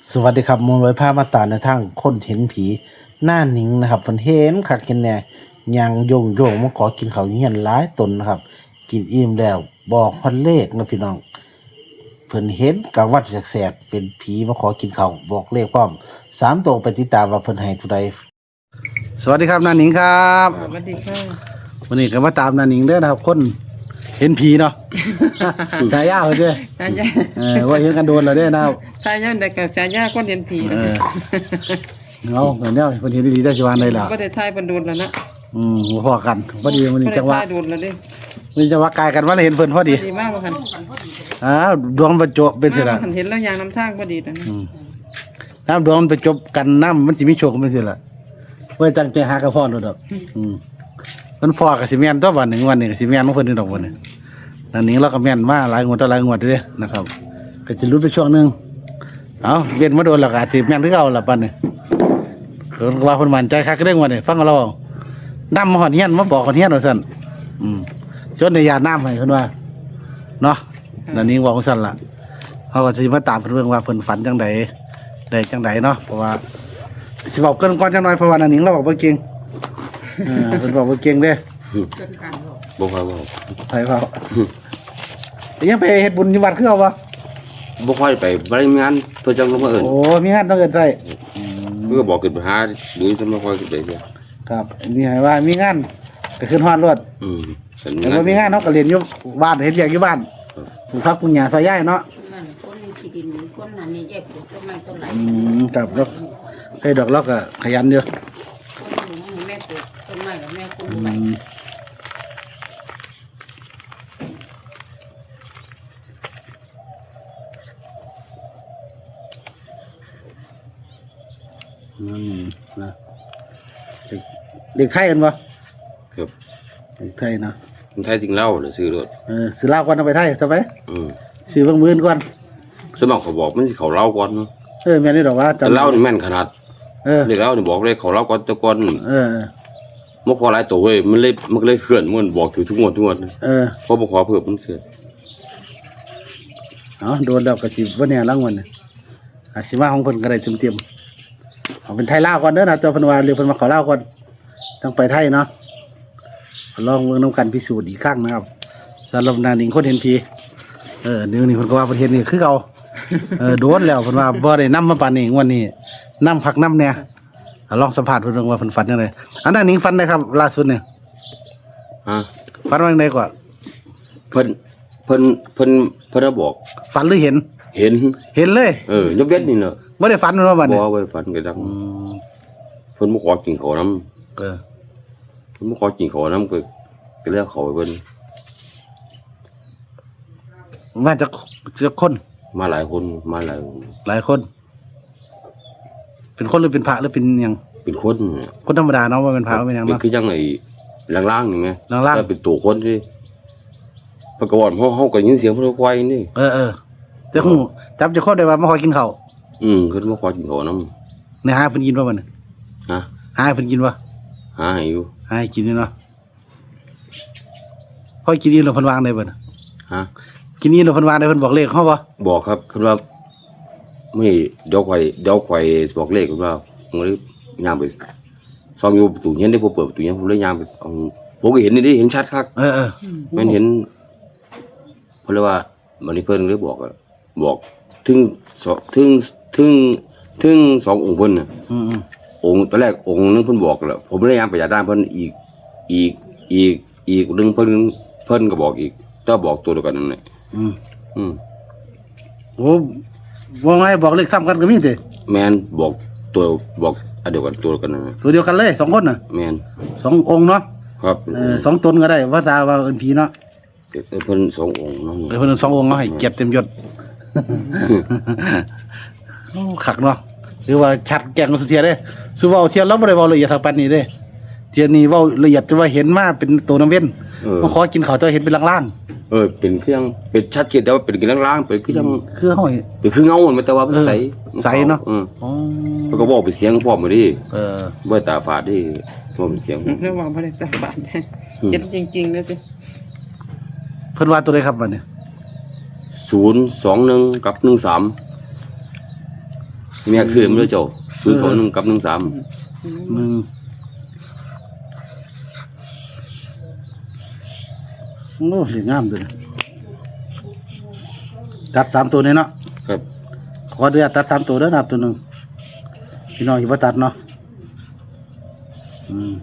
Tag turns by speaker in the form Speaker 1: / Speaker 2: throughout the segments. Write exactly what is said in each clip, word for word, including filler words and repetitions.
Speaker 1: สวัสดีครับมูลไว้ผ้ามาตาในทางคนเห็นผีหน้าหนิงนะครับเพิ่นเห็นคักเห็นแน่ยังโยงโยงมาขอกินข้าวเฮียนหลายตนนะครับ กินอิ่มแล้วบอกพันเลขนะพี่น้องเพิ่นเห็นกลางวันแสกๆเป็นผีมาขอกินข้าวบอกเลขพร้อมสามตัวไปติดตามว่าเพิ่นให้ทุใดสวัสดีครับหน้าหนิงครับ
Speaker 2: สวัสดีค่ะ
Speaker 1: วันนี้ก็มาตามหน้าหนิงเด้อนะครับ คนเห็นผีเนาะ ฉายาเพิ่นเด้อ
Speaker 2: ชายา
Speaker 1: เออว่าเห็นกันโดนแล้วเด้อนะครับ
Speaker 2: ชายาเด็กกับชายาคนเรียนผี
Speaker 1: เออ เอาเหมือนเนี้ยเพิ่นเห็นดีๆได้สิว่าได้ล่ะ
Speaker 2: ก็ได้ทายบรรดุลแล้วนะ
Speaker 1: อืมพอกันพอดีมัน
Speaker 2: ก็
Speaker 1: นี่
Speaker 2: ได้
Speaker 1: จังหวะ
Speaker 2: ทายดุลแล้วดิ
Speaker 1: มันจังหวะกายกันว่าเห็นเพิ่นพอดี
Speaker 2: ดีมากว่าคัน
Speaker 1: อ้าวดวงบรรจบเป็นสิ
Speaker 2: มา
Speaker 1: ล่ะ
Speaker 2: คันเห็นแล้วยางน้ำทางพอดีนะ
Speaker 1: อืมน้ำดวงมันไปจบกันน้ำมันสิมีโชคเป็นสิล่ะเว้ยตั้งใจหากระพรโดดอกอืมมันพอกับสิแม่นตัววันหนึ่งวันหนึงก็สิแม่นของเพิ่นนี่ดอกวันนี้นั่นนี้เราก็แม่นมาหลายงวดต่อหลายงวดเด้อนะครับก็สิลุ้นไปช่วงหนึงเอาเวียนมาโดนแล้วก็อาจสิแม่นคือเก่าล่ะปันนี่ก็ว่าเพิ่นมั่นใจคักเรื่องวันนี้ฟังเราเอานำมาฮอดเฮียนมาบอกฮอดเฮียนว่าซั่นอืมจนได้ยาน้ำให้เพิ่นว่าเนาะนั่นนี้ว่าของซั่นล่ะเขาก็สิมาตามเพิ่นเรื่องว่าเพิ่นฝันจังไดได้จังไดเนาะเพราะว่าสิบอกเกินก่อนจังหน่อยเพราะว่านั่นนี้เราบอกบ่เก่งเออเพิ่นบอกบ่เก่งเด้
Speaker 3: บ่ค่อยเว้า
Speaker 1: ไปเปล่ายังไปเฮ็ดบุญอยู่วัดคือเอาบ่
Speaker 3: บ่ค่อยไปบ่ได้มีงานเพิ่นจังลงมาเอิ้น
Speaker 1: โอ้มีงานต้องเอิ้นใส่
Speaker 3: เพิ่นก็บอกขึ้นไปหาดูจะไม่ค่อยขึ้นไปเด้อ
Speaker 1: ครับมีให้ว่ามีงานก็ขึ้นฮอดรถ
Speaker 3: อืมฉัน
Speaker 1: แต่ว่ามีงานเนาะก็เรียนอยู่บ้านเฮ็ดเวียกอยู่บ้านปลูกผักปลูกหญ้าซอยย้ายเนาะ
Speaker 4: มันคนที่ดินคนนั้นนี่แยกปลูกต้นไม้ต้นไหน
Speaker 1: อืมครับแล้วให้ดอกล็อกก็ขยันอยู่
Speaker 4: คนหนูแม่ปลูกต้นไม้แล้วแม่คุ้ม
Speaker 1: อื
Speaker 4: ไป
Speaker 1: มนั่นนะเด็กเด็กไทยกันบ่
Speaker 3: ครับ
Speaker 1: เด็กไทยเนาะ
Speaker 3: มันไทยจริงเล่าหรือซื้อรถ
Speaker 1: เออซื้อเหล้าก่อนเอาไปไทยซะไป
Speaker 3: อืม
Speaker 1: ซื้อเบิ่งมื้ออนก่อน
Speaker 3: สวนมากเขาบอกมันสิเขาเล่าก่อนเนาะ
Speaker 1: เออแม่นี่ดอกว่า
Speaker 3: แต่เล่านี่แม่นขนาด
Speaker 1: เออ
Speaker 3: เด็กเล่านี่บอกเลยเขาเล่าก่อนแต่ก่อน
Speaker 1: เออ
Speaker 3: บ่ขอหลายตัวเว้ยมันเลยมันก็เลยเคลื่อนมันบอกถือทุกงวดทุกงวด
Speaker 1: เออ
Speaker 3: พอบ่ขอเพิ่มมันเคลื่อน
Speaker 1: เอาโดนแล้วก็สิบ่แน่รางวัลน่ะอาจสิมาของเพิ่นก็ได้เต็มๆเอาเป็นไทยลาวก่อนเด้อนะตัวเพิ่นว่าหรือเพิ่นมาขอลาวก่อนต้องไปไทยเนาะลองเบิ่งนํกันพิสูจน์อีกครั้งนะครับสำหรับนางหนิงคนเห็นผีเออเดี๋ยวนี้เพิ่นก็ว่าเพิ่นเห็นนี่คือเก่าเออโดนแล้วเพิ่นว่าบ่ได้นำมาปานนี้งวดนี้นำพักนำแน่เอาลองสัมภาษณ์เพิ่นเบิ่งว่าเพิ่นฝันจังไดอันนั้นหนิงฝันได้ครับล่าสุดเนี่ย
Speaker 3: ฮะ
Speaker 1: ฝันว่าจังไดก่อน
Speaker 3: เพิ่นเพิ่นเพิ่นเพิ่นบอก
Speaker 1: ฝันหรือเห็น
Speaker 3: เห็น
Speaker 1: เห็นเลย
Speaker 3: เออยกเว้นนี่เนาะ
Speaker 1: บ่ได้ฝันว่าบัด
Speaker 3: บ่
Speaker 1: นี้
Speaker 3: ไว้ฝันก็ดัง
Speaker 1: อืม
Speaker 3: เพิ่นบ่ขอกินข้าวนํ
Speaker 1: เออ
Speaker 3: เพิ่นบ่ขอกินข้าวนํก็ก็เลยเอาเข้าไปเพิ่น
Speaker 1: มาจากจากคน
Speaker 3: มาหลายคนมาหลาย
Speaker 1: หลายคน เป็นคนหรือเป็นพระหรือเป็นหยัง
Speaker 3: เป็นคนเนี่ย
Speaker 1: คนธรรมดาเนาะว่าเป็นพระว่าเป็นหยัง
Speaker 3: เป็น
Speaker 1: เนาะ
Speaker 3: คือจังไอ้ล่างๆนี่ไง
Speaker 1: ล่างๆ
Speaker 3: ถ้เป็นตัวคนที่ปะกอนเฮาเฮาก็ยินเสียงเพิ่นควายนี่
Speaker 1: เออเออแต่หูจับจะคนได้ว่ามาขอกินข้าว
Speaker 3: อืมเพิ่นมาขอกินข้าวนํ
Speaker 1: ในหาเพิ่นกินบ่มัน
Speaker 3: ฮะ
Speaker 1: หาให้เพิ่นกินบ่
Speaker 3: หาให้อยู่
Speaker 1: หาให้กินนี่เนาะพอกินนี่แล้วเพิ่นวางได้บ่น่ะ
Speaker 3: ฮะ
Speaker 1: กินนี่แล้วเพิ่นวางได้เพิ่นบอกเลขเฮาบ่
Speaker 3: บอกครับเพิ่นว่าไม่เดี๋ยวข่อยเดี๋ยวข่อยบอกเลขเพิ่นว่าผมเลยย่างไปซ่อมอยู่ประตูเฮียนได้บ่เปิดประตูเฮียนผมเลยย่างไปเอาผมก็เห็นนี่ดิเห็นชัดคัก
Speaker 1: เออเออ
Speaker 3: แม่นเห็นเพิ่นเลยว่ามันนี่เพิ่นเลยบอกอะบอกถึงสองถึงถึงถึงสององค์เพิ่นน่ะ
Speaker 1: อืม
Speaker 3: องค์ตอนแรกองค์นึงเพิ่นบอกแล้วผมเลยยังไปจากด้านเพิ่นอีกอีกอีกอีกนึงเพิ่นเพิ่นก็บอกอีกก็บอกตัวเดียวกันนั่นแหละ
Speaker 1: ๆอืม
Speaker 3: อืม
Speaker 1: โอ้ว่าไงบอกเลขซ้ำกันก็มีติ
Speaker 3: แมนบอกตัวบอกอันเดียวกันตัวเดียวกันนั่นแหละ
Speaker 1: ตัวเดียวกันเลยสองคนน่ะ
Speaker 3: แมน
Speaker 1: สององค์เนาะ
Speaker 3: ครับ
Speaker 1: เออสองตนก็ได้ว่าตาว่าเอิ้นผีเนาะ
Speaker 3: เพิ่นสององค์เนาะ
Speaker 1: เออเพิ่นสององค์เอาให้เกียรติเต็มยศ โอ้คักเนาะหรือว่าชัดแก่งสุดเทียเด้สุเว้าเทียเราบ่ได้เว้าละเอียดเท่าปานนี้เด้เทียนี้เว้าละเอียดแต่ว่าเห็นมาเป็นตัวน้ำเว้น
Speaker 3: เออ
Speaker 1: มาขอกินข้าวแต่เห็นเป็นล่าง
Speaker 3: เออเป็นเครื่องเป็นชัดเจนแต่ว่าเป็นกินล่างๆเป็นคือจัง
Speaker 1: ๆคือเฮาเห็น
Speaker 3: เป็นคือเงามันแต่ว่ามันใส
Speaker 1: ใสเนาะ
Speaker 3: อืม
Speaker 1: อ๋อ
Speaker 3: เพิ่นก็บอกเป็นเสียงพร้อมมาดิ
Speaker 1: เออ
Speaker 3: บ่ตาฝาดดิบ่เป็นเสียง
Speaker 2: ระหว่างพระเจ้าบาทเจ็ดจริงๆเลยสิ
Speaker 1: เพิ่นว่าตัวใดครับบัดนี้
Speaker 3: ศูนย์ สอง หนึ่งกับหนึ่งสามแม่คือมันเลยเจ้าศูนย์สองหนึ่งกับหนึ่งสาม
Speaker 1: หนึ่งโอ้สีงามเลยตัดสามตัวนี้เนาะ
Speaker 3: ครับ
Speaker 1: ขอเดือดตัดสามตัวเด้อนะครับตัวหนึ่งพี่น้องอย่าไปตัดเนาะอืม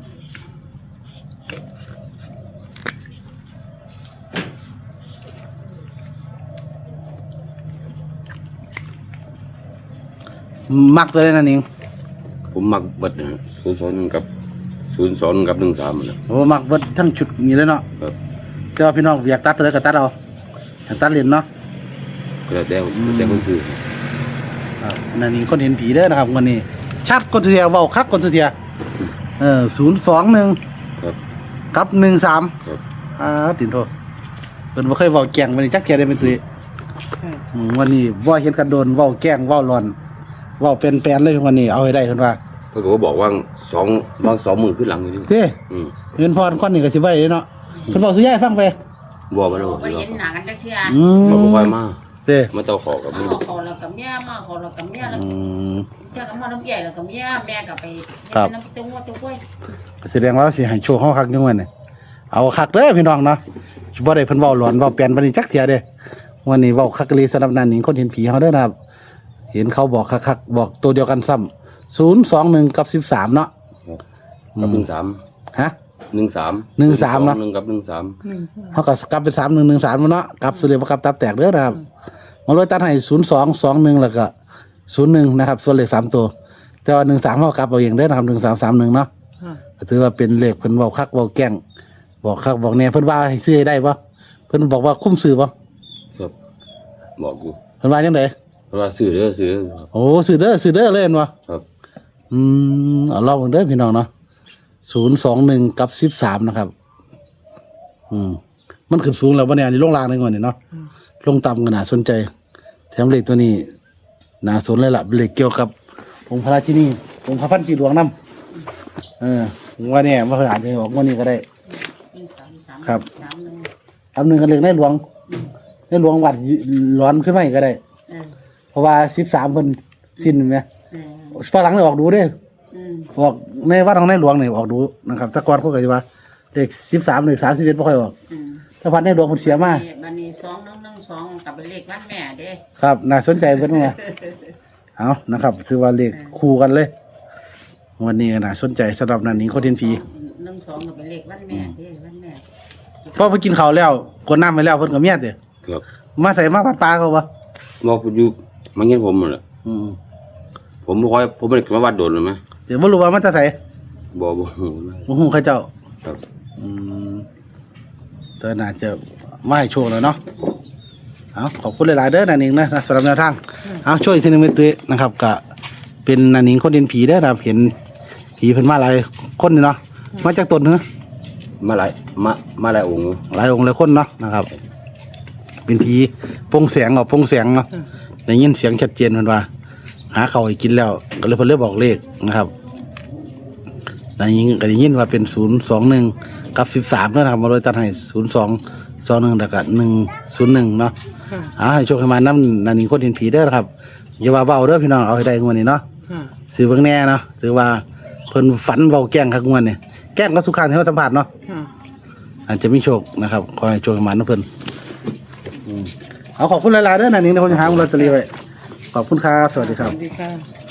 Speaker 1: มักตัวได้นั่นเอง
Speaker 3: ผมมักเบิดนะศูนย์สองหนึ่งกับศูนย์สองกับหนึ่งสามนะ
Speaker 1: โอ้มักเบิดทั้งชุดนี้เลยเนาะ
Speaker 3: ครับ
Speaker 1: แต่ว่าพี่น้องอยากตัดตัวใดก็ตัดเอาอยากตัดเหรียญเนาะ
Speaker 3: ก็แล้วแต่แล้วแต่คนซื้อ
Speaker 1: ครับนั่นนี่คนเห็นผีเด้อนะครับวันนี้ ชัดคนเทียเว้าคักคนเทียเออศูนย์สองหนึ่ง
Speaker 3: ครับ
Speaker 1: กับหนึ่งสาม
Speaker 3: ครับ
Speaker 1: อ่าติดโทษเป็นบ่เคยเว้าแกล้งวันนี้จักแกได้เป็นตุ้ย
Speaker 2: ค่ะ
Speaker 1: อืมวันนี้ว่าเห็นกันโดนเว้าแกล้งเว้าร้อนเว้าเป็นแปลนเลยวันนี้เอาให้ได้เพิ่นว่า
Speaker 3: เพิ่นก็บอกว่าสองวางสองมือขึ้นหลังอยู่นี่
Speaker 1: เด้
Speaker 3: อืม
Speaker 1: เงินพรคนนี้ก็สิไว้เนาะเพิ่นบอกสุยายฟังไป
Speaker 3: บอกมาแล้ว
Speaker 4: ไปเห็นหน้ากันจักเที่ย
Speaker 1: อืม
Speaker 3: บอกบ่ค่อยมา
Speaker 1: เด้
Speaker 3: มาเต้าขอกับ
Speaker 4: มา
Speaker 3: มึง
Speaker 4: ขอเรากับเมียมาขอเรากับเมียแล้ว
Speaker 1: อืม
Speaker 4: เจ้าก็มาน้ำใหญ่แล้วกับเมียแม่ก็ไป
Speaker 1: ครับ
Speaker 4: น้ำตัวตัวกล้วย
Speaker 1: ก็แสดงว่าสิให้โชคเฮาคักจังวันนี้เอาคักเด้อพี่น้องเนาะบ่ได้เพิ่นเว้าหลอนเว้าแปลนบัดนี้จักเที่ยเด้วันนี้เว้าคักกะลีสำหรับนันหนิงคนเห็นผีเฮาเด้อนะครับ เห็นเขาบอกคักๆบอกตัวเดียวกันซ้ำศูนย์สองหนึ่งกับสิบสามเนาะ
Speaker 3: กับหนึ่งสาม
Speaker 1: ฮะ
Speaker 3: หนึ่งสาม
Speaker 1: หนึ่งสามเนอะ
Speaker 3: หนึ่งกับหนึ่งสาม
Speaker 1: เขาก็กลับเป็นสามหนึ่งหนึ่งสามเนาะกลับสุดเลยว่ากลับตับแตกเด้อนะครับมาเลยตัดให้ศูนย์สองสองหนึ่งแล้วก็ศูนย์หนึ่งนะครับส่วนเลขสามตัว แต่ว่าหนึ่งสามเขากลับเอาเองเด้อนะครับหนึ่งสามสามหนึ่งเนาะ
Speaker 2: ค่ะ
Speaker 1: ก็ถือว่าเป็นเลขเพิ่นบอกคักบอกแกล้งบอกคักบอกแน่เพิ่นว่าให้ซื้อให้ได้ปะเพิ่นบอกว่าคุ้มซื้อปะ
Speaker 3: ครับบอกอยู่
Speaker 1: เพิ่นว่าจังได
Speaker 3: เพราะว่าซื้อเด้อซื้อเด้อ
Speaker 1: โอ้ซื้อเด้อซื้อเด้อเลยเห็นปะ
Speaker 3: ครับ
Speaker 1: อืมเอาลองเบิ่งเด้อพี่น้องเนาะศูนย์สองหนึ่งกับสิบสามนะครับ อืมมันขึ้นสูงแล้ววันนี้อันนี้ลงล่างในงวดนี่เนาะลงต่ำก็น่าสนใจแถมเลขตัวนี้น่าสนเลยล่ะเลขเกี่ยวกับองค์พระราชินีองค์พระพันปีหลวงน้ำเออว่าเนี่ยว่าอาจจะออกงวันนี้ก็ได้
Speaker 4: หนึ่งสามสาม
Speaker 1: ครับ
Speaker 4: สามหนึ่ง
Speaker 1: ทำหนึ่งกันเลยในหลวงในหลวงวัดร้อนขึ้นมาอีกก็ได้
Speaker 4: เออ
Speaker 1: เพราะว่าสิบสามคนสิ้นไหม
Speaker 4: เออ
Speaker 1: ฝรั่งเลยออกดูเด้
Speaker 4: อืม
Speaker 1: ออกในวัดของในหลวงนี่ออกดูนะครับแตะกอนเขาก็จะว่าเลขสิบสามเลขสามสิบเอ็ดไม่ค่อยออก
Speaker 4: อืม
Speaker 1: ถ้าพันในหลวงมันเสียมาก
Speaker 4: บันนี้สองหนึ่งหนึ่งสองกับเป็นเลขวันแม่เด้
Speaker 1: ครับน่าสนใจเพิ่นว่าเอานะครับถือว่าเลขคู่กันเลย วันนี้ก็น่าสนใจสำหรับนันนี้คนเทียนผี
Speaker 4: หนึ่งสองกับเป็นเลขวันแม่เด้วันแม่
Speaker 1: พอไปกินข้าวแล้วกดน้ำไปแล้วเพิ่นก็เมียเด้อ
Speaker 3: ครับ
Speaker 1: มาใส่มาปัดปลาเขาบ่
Speaker 3: บอกคุณอยู่มันเงี้ยผมแหละ
Speaker 1: อืม
Speaker 3: ผมไม่ค่อยผมไม่ได้มาวัดโดนเลยไหม
Speaker 1: เดี๋ยวบ่รู้ว่ามันจะใส่
Speaker 3: บอกบอก
Speaker 1: บ่ฮู้เขาเจ้า
Speaker 3: ครับ
Speaker 1: อืมแต่น่าจะมาให้โชคแล้วเนาะเอาขอบคุณหลายๆเด้อนันนิงนะสำหรับแนวทางเอาช่วยอีกทีหนึงเป็นตุ้ยนะครับก็เป็นนันนิงคนเห็นผีเด้อนะครับเห็นผีเพิ่นมาหลายคนนี่เนาะมาจากต้นเนื้อ
Speaker 3: มาหลายมามาหลายองค์อยู่
Speaker 1: หลายองค์หลายคนเนาะนะครับ เป็นผีโปร่งแสงเอาโปร่งแสงเนาะได้ยินเสียงชัดเจนเพิ่นว่า หาข้าวให้กินแล้ว ก็เลยเพิ่นเลยบอกเลขนะครับได้ยินก็ได้ยินว่าเป็นศูนย์สองหนึ่งกับสิบสามนะครับมาโดยตัดให้ศูนย์สองสองหนึ่งแล้วก็หนึ่งศูนย์หนึ่งเนาะ
Speaker 2: ค่ะ
Speaker 1: เอาให้โชคให้มาน้ำนันนี่คนเห็นผีเด้อครับอย่าว่าเบาเด้อพี่น้องเอาให้ได้งวดนี้เนาะ
Speaker 2: ค่ะ
Speaker 1: ซื้อเบิ่งแน่เนาะถือว่าเพิ่นฝันเบาแกล้งครับงวดนี้แกล้งก็สุขานให้เราสัมผัสเนาะ
Speaker 2: ค่ะ
Speaker 1: อาจจะมีโชคนะครับขอให้โชคให้มานะเพิ่นอืมเอาขอบคุณหลายๆเด้อนันนี่เดี๋ยวผมจะหาลอตเตอรี่ไว้ขอบคุณครับสวัสดีค
Speaker 2: ส
Speaker 1: รับ
Speaker 2: วัสดีค่ะ